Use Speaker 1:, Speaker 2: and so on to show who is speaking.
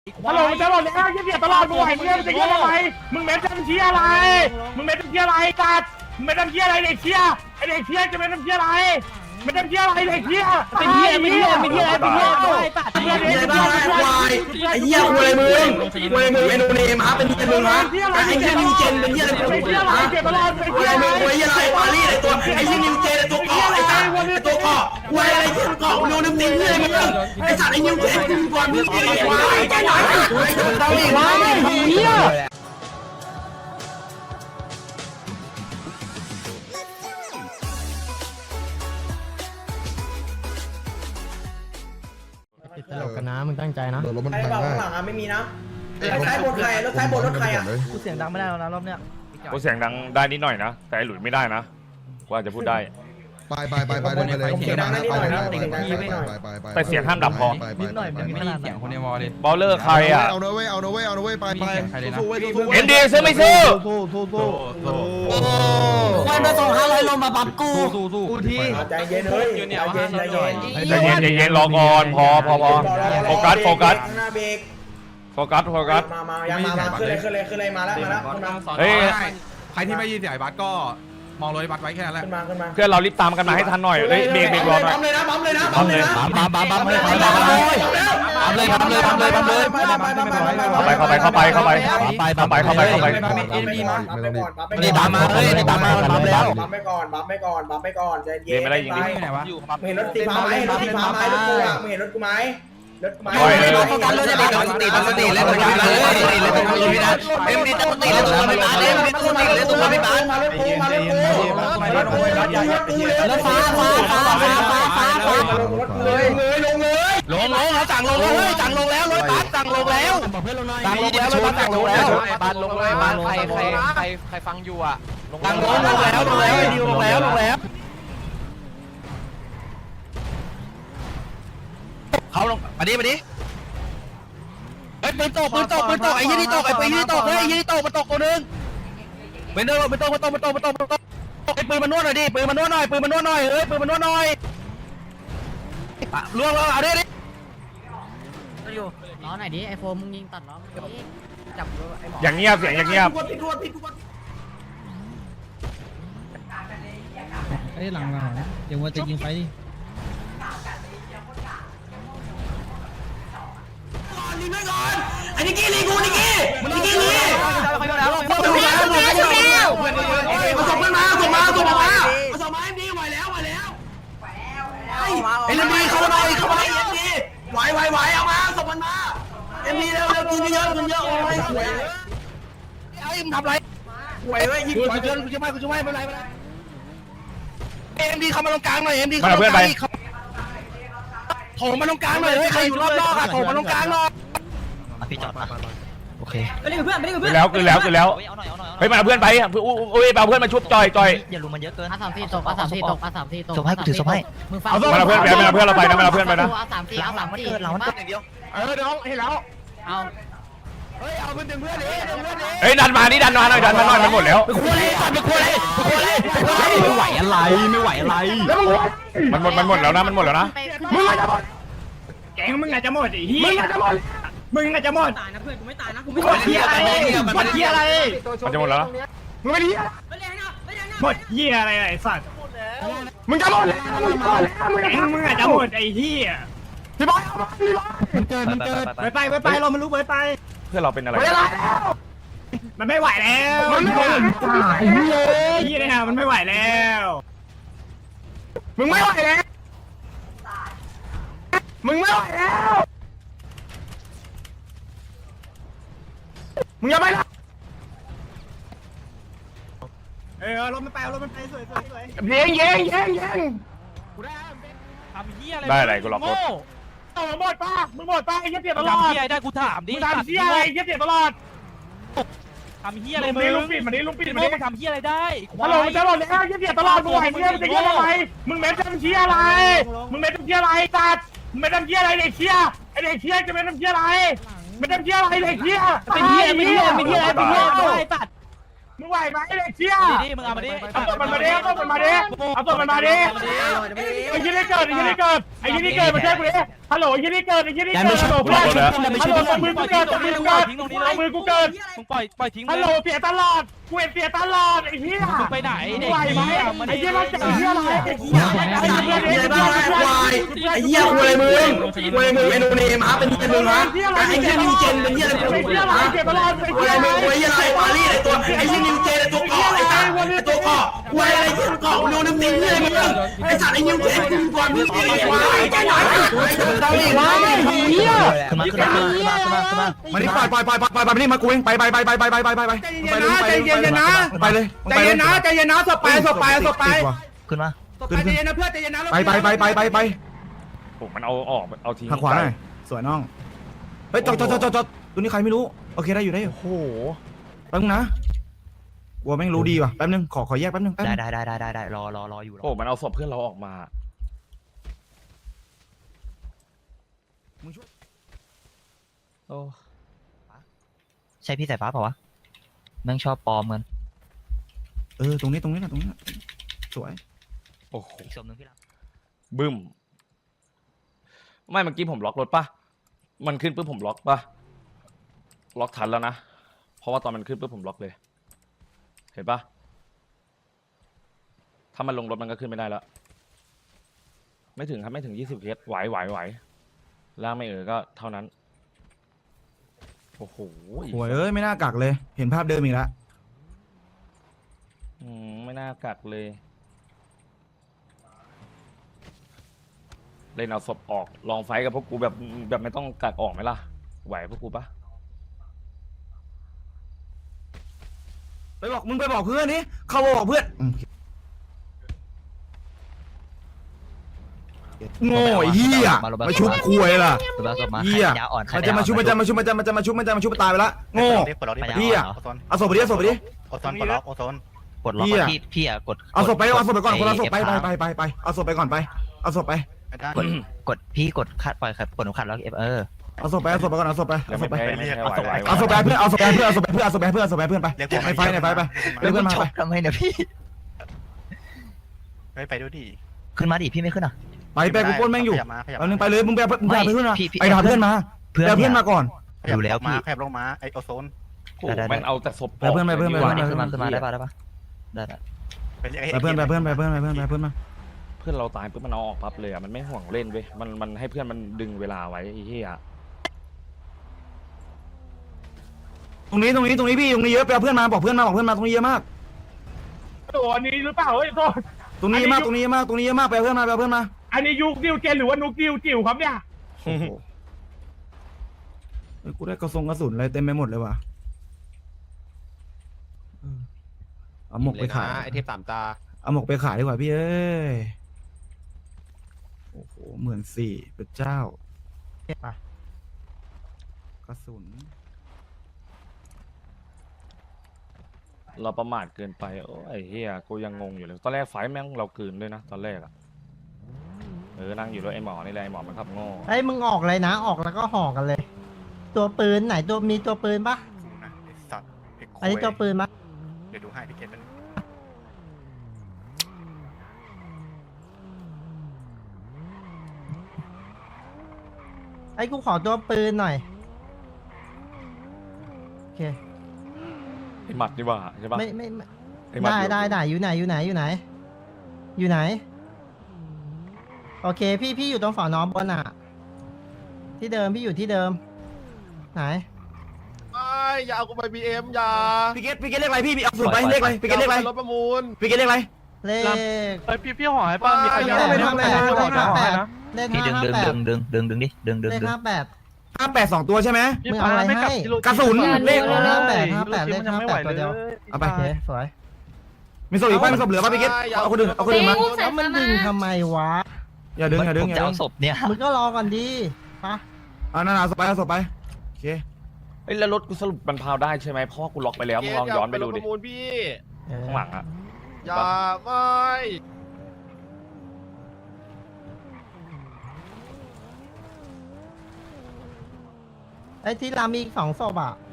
Speaker 1: ฮัลโหลจะหมดแล้วเหี้ยตลอดมึงไหวมึงจะเหี้ยอะไรมึงเม็ดจะเป็นเหี้ยอะไรมึงเม็ดเป็นเหี้ยอะไรกัดมึงเม็ดเป็นเหี้ยอะไรเด็กเหี้ยไอเด็กเหี้ยจะเป็นเหี้ยอะไรมันเป็นเหี้ยอะไรเด็กเหี้ยเป็นเหี้ยเป็นเหี้ยเป็นเหี้ยเป็นเหี้ยตัดเหี้ยเหี้ยบ้าควายไอเหี้ยควยมึงควยมึงไอโนเนมฮะเป็นเหี้ยมึงฮะไอเหี้ยนิวเจนเป็นเหี้ยอะไรเป็นเหี้ยอะไรเก็บตลอดเป็นเหี้ยอะไรควยเหี้ยอะไรปารีสไอตัวไอเหี้ยนิวเจนไอตัวเกาะไอสัตว์ไอตัวเกาะควยอะไรเหี้ยเกาะโนนึกตีเหี้ยมึงไอสัตว์ไอนิวเจนมึงก่อนมึงไอควายไอหน่อยไอควายเหี้ย
Speaker 2: ติดตลกกันนะมึงตั้งใจนะ
Speaker 3: รถมัน
Speaker 4: ใคร
Speaker 3: พัง
Speaker 4: บอก
Speaker 3: ได้
Speaker 4: ข้างหลังอ่ะไม่มีนะรถท้ายบนใครรถท้ายบนรถใครอ่ะ
Speaker 5: กูเสียงดังไม่ได้แล้วนะรอบเนี้ย
Speaker 6: กูเสียงดังได้นิดหน่อยนะแต่ไอ้หลุยไม่ได้นะกูอาจจะพูดได้
Speaker 3: ไปเดินไปเลยไป
Speaker 6: แต่เสียงห้ามดับพอ
Speaker 5: นิดหน่อยมันไม่นานเสียงคนในวอลเลย
Speaker 6: บอลเลอร์ใครอ่ะ
Speaker 3: เอาเนอะเว้ยไป
Speaker 5: ใครเลยนะ
Speaker 6: เอ็นดีซื้อไม่ซื้อ
Speaker 2: ควายมาส่ง500ลมมาบับกู
Speaker 5: กูที่
Speaker 4: ใจเย็นเฮ้ยใจเย็น
Speaker 6: ใจเย็นรอก่อนพอโฟกัส
Speaker 4: หน้าเบรก
Speaker 6: โฟกัส
Speaker 4: มายังมาขึ้นเลยมาแล้ว
Speaker 6: เฮ้ย
Speaker 7: ใครที่ไม่ยินเสียงไอ้บัสก็มองรถไอ้บัสไว้แค่นั้นแหละ
Speaker 4: ขึ้นมา
Speaker 6: เพื่อนเรารีบตามกันมาให้ทันหน่อยเฮ้ยเบรกรอหน่อย
Speaker 4: ปั๊มเลยนะ
Speaker 2: บัมเลย
Speaker 6: เข้าไป
Speaker 4: เอ็นดีมาปั๊มไปก่อนใจเย็นเห็นรถตีฟ้าไหมรถตีฟ้าไหมรถกูอ่ะมึงเห็นรถกูไหมรถกูไหม
Speaker 2: โฟกัสเลยตั้งสติเล่นตัวนี้เลยเอ็มดีตั้งสติเล่นตัวไม่บานเอ็มดีตั้งสติเล่นตัวไม่บานแล้วฟ้า
Speaker 4: เลย
Speaker 2: ลงแล้วสั่งลงแล้วสั่งลงแล้วรถบัสสั่งลงแล้วรถบัสสั่งลงแล้ว
Speaker 5: บ้านลงเลยบ้านใครฟังอยู่อ่ะ
Speaker 2: สั่งลงแล้วเขาลงมาดิเฮ้ยปืนตกไอ้ยี่นี่ตกไอ้ปืนนี่ตกเฮ้ยยี่นี่ตกมันตกตัวนึงเป็นเดิมมันตกไอ้ปืนมันนวดหน่อยดิปืนมันนวดหน่อยเฮ้ยปืนมันนวดหน่อยล่วงแล้วเอาดิ
Speaker 8: อยู่ล้อไหนดิไอโฟมมึงยิงตัดล้อจับไอหมอ
Speaker 6: อย่างเงียบเสียงอย่างเงียบ
Speaker 2: ไอ้หลังเดี๋ยวว่าจะยิงไฟดิลีไม่ก่อนไอ้นิกกี้ลีกูนิกกี้เอาส่งมาเอ็มดีไหวแล้วไอ้เรื่องดีเข้ามาเอ็มดีไหวเอามาส่งมันมาเอ็มดีเร็วกินเยอะโอ้ยสวยไอ้มึงทำไรสวยเว้ยยิงกูจะไม่เป็นไรเอ็มดีเข้ามาตรงกลางหน่อยเอ็มดีเข้ามาตรงกลางโถมาตรงกลางหน่อยใครอยู่รอบนอกอะโถมาตรงกลางหน่อยพี่จอดมาโอเค
Speaker 8: ไม่ได้กับเพื่อน
Speaker 6: คือแล้วเฮ้ยมาเพื่อนไปอุ้ยเอาเพื่อนมาชุบจอย
Speaker 2: อย่าลุมมันเยอะเกิน
Speaker 8: A34 ตกA34 ตก
Speaker 2: ส่งให้กูถือส่งให้
Speaker 8: มึงฟัง
Speaker 6: มาเพื่อนเราไปนะมาเพื่อนไปนะ
Speaker 8: A34
Speaker 2: มันเกิดเรามันเกิดอย่างเดียว
Speaker 1: น้องเห็นแล้ว
Speaker 8: เอา
Speaker 1: เฮ้ยเอาเพื่อนดึงเพื่อนดิ
Speaker 6: เฮ้ยดันมาหน่อยมันหมดแล้ว
Speaker 2: ไม่ไหวอะไร
Speaker 6: มันหมดแล้วนะ
Speaker 1: มึงอาจจะหมดแกงมึงอาจจะหมดไอ้เหี้ยมึงอาจจะหมด
Speaker 8: ตายนะเพื่อนกูไม่ตายนะกู
Speaker 1: มึงหมดเหี้ยอะไรมัน
Speaker 6: จะหมดแล้วนะ
Speaker 1: มึงไม่ดีหมดเหี้ยอะไรไอ้สัตว์มึงจะหมดแล้วมึงอาจจะหมดไอ้เหี้ยพี่บอยมันเกิดไปเรามันรู้ไป
Speaker 6: เพื่อนเราเป็นอะไร
Speaker 1: มันไม่ไหวแล้วมันไม่ไหวไอ้เหี้ยเนี่ยมันไม่ไหวแล้วมึงไม่ไหวแล้วมึงอย่าไปละรถมันไปสวยเย้ง
Speaker 5: ทำเฮียอะไร
Speaker 6: ได้อะไรกูหลอกรถ
Speaker 1: มึงหมดป้าไอ้เหี้ยเปลี่ยนตลอด
Speaker 5: ทำเฮียได้กูถามดิ
Speaker 1: มึงทำเหี้ยอะไรไอ้เหี้ยเปลี่ยนตลอด
Speaker 5: ทำเฮียอะไรมึง
Speaker 1: ลุงปิดมัน
Speaker 5: มึงทำเฮียอะไรได้
Speaker 1: ฮัลโหลจะหมดแล้วไอ้เหี้ยเปลี่ยนตลอดมึงไหวมึงจะเหี้ยอะไรมึงเม็ดทำเหี้ยอะไรมึงเม็ดทำเหี้ยอะไรตัดมึงเม็ดทำเหี้ยอะไรเด็กเหี้ยไอ้เด็กเหี้ยจะเม็ดทำเหี้ยอะไรเม็ดทำเหี้ยอะไรเด็กเหี้ยเป็นเหี้ยตัดมึงไหวไหมไอ้เด็กเหี้ย
Speaker 5: ดิมึงเอามาดิ
Speaker 1: เอาตัวมันมาดิไอ้เหี้ยได้เกิดไอ้ยี่นี่เกิดมาช่วยกูดิฮัลโหลยี่นี่เกิดไอ้ยี่นี่เกิดฮัลโหลเพื่อนฮัลโหลมือกูเกิดมือกูเกิดมือกูเกิด
Speaker 5: มึงปล่อยทิ้ง
Speaker 1: ฮัลโหลเสียตลอดกูเสียตลอดไอ้เหี้ย
Speaker 5: มึงไปไหนเด็ก
Speaker 1: ไหวไหมไอ้เหี้ยมันจะเหี้ยอะไรไอ้เหี้ย
Speaker 2: มีอะไรบ้างควายไอ้เหี้ยควายมึงควายมึงไอ้โนเนมฮะเป็นมึงฮะไอ้เหี้ยนิวเจนเป็นเหี้ยอะไร
Speaker 1: ไอ้เหี้ยอะไรเสียตลอดไอ้
Speaker 2: ควา
Speaker 1: เหี้ย
Speaker 2: ยมึงควายเหี้ยอะไรปารีสไอ้ตัวไอ้เหี้ยนิวเจนไอ้ตัวเกาะไอ้สัตว์ไอ้ตัวเกาะควายอะไรเหี้ยเกาะโนน้ำตีเหี้ยมึงไอ้สัตว์ไอ้นิวเจนกูก่อนมึงไอ้ควายไอ้ควายไอ้ควายเหี้ย
Speaker 8: ขึ้นมา
Speaker 7: มานี่ปล่อยนี่มากูเองไปไปใจเย็นนะไปเลย
Speaker 2: ใจเย็นนะใจเย็นนะสบไป
Speaker 8: ขึ้นมา
Speaker 2: ใจเย็นนะเพื่อนใจเย็นนะ
Speaker 7: ไป
Speaker 6: ผมมันเอาทิ้ง
Speaker 7: ทางขวาหน่อยสวยน้องเฮ้ยจอดตัวนี้ใครไม่รู้โอเคได้อยู่โอ้โหแป๊บนึงนะกลัวแม่งรู้ดีว่ะแป๊บนึงขอแยกแป๊บนึง
Speaker 8: ได้รออยู่
Speaker 6: โอ้มันเอาศพเพื่อนเราออกมาโอ้
Speaker 8: ใช่พี่สายฟ้าเปล่าวะแม่งชอบปลอมกัน
Speaker 7: ตรงนี้นะสวย
Speaker 6: โอ้โห
Speaker 8: อีกศพนึงพี่รับ
Speaker 6: บึ้มไม่เมื่อกี้ผมล็อกรถปะมันขึ้นปุ๊บผมล็อกปะล็อกทันแล้วนะเพราะว่าตอนมันขึ้นปุ๊บผมล็อกเลยเห็นปะถ้ามันลงรถมันก็ขึ้นไม่ได้แล้วไม่ถึงครับไม่ถึง20 เคสไหวล่างไม่ก็เท่านั้นโอ้โห
Speaker 7: โอ้ยไม่น่ากักเลยเห็นภาพเดิมอีกแล้ว
Speaker 6: ไม่น่ากักเลยเล่นเอาศพออกลองไฟกับพวกกูแบบไม่ต้องกักออกไหมล่ะไหวพวกกูปะ
Speaker 7: มึงไปบอกเพื่อนนี่เขาบอกเพื่อนโง่เหี้ยมาชุบคุยล่ะเหี้ยมันจะมาชุบตายไปละโง่เหี้ยเอาศพไปดิ
Speaker 8: กดล็อกพี่อ่ะกด
Speaker 7: เอาศพไปก่อนคนละศพไปเอาศพไปก่อนไปเอาศพไป
Speaker 8: กดพี่กดขัดปล่อยขัดกดขัดแล้ว
Speaker 7: เอาศพไปก่อนเอาศพไป
Speaker 6: ยังไม่แพ้ไหว
Speaker 7: เอาศพไปเพื่อนไปในไฟไปเพื่อนมาไป
Speaker 8: ทำไมเนี่ยพี่
Speaker 9: ไปดูดิ
Speaker 8: ขึ้นมาดิพี่ไม่ขึ้นอ่ะ
Speaker 7: ไปกูป้นแม่งอยู่เอานึงไปเลยมึงไปเพื่อนมาไปหาเพื่อนมาเพื่อนมาก่อน
Speaker 8: อยู่แล้วพี่
Speaker 9: แคบลงมาไอโอโซน
Speaker 6: มันเอาแต่ศพ
Speaker 7: ไปเพื่อนมา
Speaker 8: ขึ้นมาได้ปะได้
Speaker 7: ไปเพื่อนมา
Speaker 6: เพื่อนเราตายปุ๊บมันเอาออกปั๊บเลยอ่ะมันไม่ห่วงเล่นเว้ยมันให้เพื่อนมันดึงเวลาไว้ไอ้เหี้ย
Speaker 7: ตรงนี้พี่ตรงนี้เยอะไปเอาเพื่อนมาบอกเพื่อนมาตรงนี้เยอะมาก
Speaker 1: โอ้อันนี้หรือเปล่าเฮ้ยโทษ
Speaker 7: ตรงนี้เยอะมากไปเอาเพื่อนมา
Speaker 1: อันนี้ยุคดิวเจนหรือว่านุกดิวจิ๋วครับเนี่ย
Speaker 7: กูได้กระสุนอะไรเต็มไปหมดเลยว่ะเอาหมกไปขาย
Speaker 9: ไอเทพ3 ตา
Speaker 7: เอาหมกไปขายดีกว่าพี่เอ้ยโอ้โห14เป็นเจ้ากระสุน
Speaker 6: เราประมาทเกินไปโอ้ไอ้เหี้ยกูยังงงอยู่เลยตอนแรกไฟแม่งเรากืนด้วยนะตอนแรกอ่ะนั่งอยู่ด้วยไอ้หมอนี่แหละไอ้หมอมันขับโง่
Speaker 10: ไอ้มึงออกเลยนะออกแล้วก็ห่อกันเลย ตัวปืนไหนมีตัวปืนปะ
Speaker 9: สัตว์
Speaker 10: อันนี้ตัวปืนปะ
Speaker 9: เดี๋ยวดูให้พี่เกณฑ์มัน
Speaker 10: ไอ้กูขอตัวปืนหน่อยโอเค
Speaker 6: ไอ้หมัดนี่ว่าใช่ปะ
Speaker 10: ไม่
Speaker 6: ไอ้หมัด
Speaker 10: ได้อยู่ไหนโอเคพี่อยู่ตรงฝาน้องบนอ่ะที่เดิมพี่อยู่ที่เดิมไหน
Speaker 9: อย่าเอากูไปBMอย่า
Speaker 7: พี่เกตเลขอะไรพี่เอาสูตรไปเลขอะไรพี่เกตเลขอะไร
Speaker 9: รถประมูล
Speaker 7: พี่เกตเลขอะไร
Speaker 10: เลข
Speaker 5: พี่หอยป้ามีใคร
Speaker 10: เลข58เลข
Speaker 8: พี่ดึงดิดึง
Speaker 10: เลข58
Speaker 7: 58 2 ตัวใช่ไหม
Speaker 10: มึงเอาอะไรให้
Speaker 7: กระสุนเลข
Speaker 10: 58เลข58ตัวเดียว
Speaker 7: เอาไป
Speaker 10: โอเคสวย
Speaker 7: มีศพอีกป่ะมีศพเหลือป่ะพี่เกตเอาคนอื่นมา
Speaker 10: แล้วมันดึงทำไมวะ
Speaker 7: อย่าดึง
Speaker 8: ผมจะเอาศพเนี่ย
Speaker 10: มึงก็รอก่อนดีปะ
Speaker 7: นั่นเอาศพไปโอเค
Speaker 6: ไอ้แล้วรถกูสรุปมันพาวได้ใช่ไหมเพราะกูล็อกไปแล้วมึงลองย้อนไปดูดิ
Speaker 9: ประมูลพี่
Speaker 6: ข้างหลังอ่ะ
Speaker 9: อย่าไม่
Speaker 10: ไอ้ที่รามีอีก2 ศพอ่ะ